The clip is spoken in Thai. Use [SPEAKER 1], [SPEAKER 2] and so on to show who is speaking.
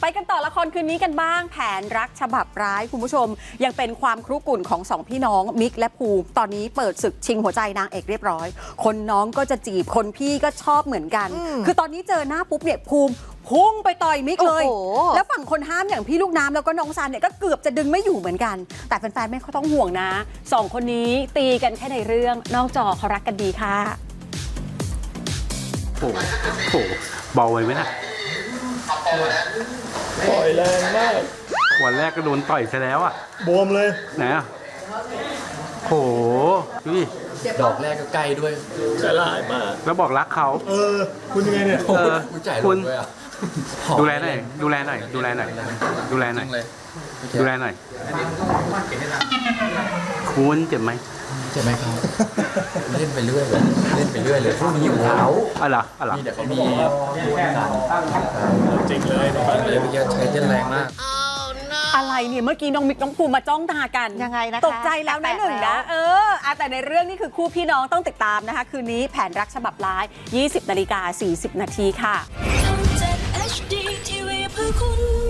[SPEAKER 1] กันต่อละครคืนนี้กันบ้างแผนรักฉบับร้ายคุณผู้ชมยังเป็นความครุกรุ่นของสองพี่น้องมิกและภูมิตอนนี้เปิดศึกชิงหัวใจนางเอกเรียบร้อยคนน้องก็จะจีบคนพี่ก็ชอบเหมือนกันคือตอนนี้เจอหน้าปุ๊บเนี่ยภูมิพุ่งไปต่อยมิกเลยแล้วฝั่งคนห้ามอย่างพี่ลูกน้ำแล้วก็น้องซันเนี่ยก็เกือบจะดึงไม่อยู่เหมือนกันแต่แฟนๆไม่ต้องห่วงนะสองคนนี้ตีกันแค่ในเรื่องนอกจอเขารักกันดีค่ะ
[SPEAKER 2] โอ้โหเบาไว้ไหมนะ
[SPEAKER 3] ต่อยแรงมาก
[SPEAKER 2] วันแรกก็โดนต่อยซะแล้วอ่ะ
[SPEAKER 3] บวมเลย
[SPEAKER 2] ไหนอ่ะโหดูดิ
[SPEAKER 4] ดอกแรกก็ใกล้ด้วย
[SPEAKER 3] ใจร้ายมาก
[SPEAKER 2] แล้วบอกรักเขา
[SPEAKER 3] คุณยังไงเนี่ย
[SPEAKER 4] คุณ
[SPEAKER 2] ดูแลหน่อยดูแลหน่อยดูแลหน่อยดูแลหน่อยดูแลหน่อยคุณเจ็บไหม
[SPEAKER 4] เจ็บไหมครับเล่นไปเรื่อยเลยเล่นไปเรื่อยเลยพวกนี้อยู่เท้า
[SPEAKER 2] อะไร
[SPEAKER 4] มีแต่เขามี
[SPEAKER 3] จริงเลย
[SPEAKER 4] เลยพี่ใช้เล่นแรงมาก
[SPEAKER 1] อะไรเนี่ยเมื่อกี้น้องมิกน้องภูมิมาจ้องตากัน
[SPEAKER 5] ยังไงนะคะ
[SPEAKER 1] ตกใจแล้วนะหนึ่งนะแต่ในเรื่องนี้คือคู่พี่น้องต้องติดตามนะคะคืนนี้แผนรักฉบับร้าย 20:40 น.ค่ะ
[SPEAKER 6] ทำจาก HD TV เพื่อคุณ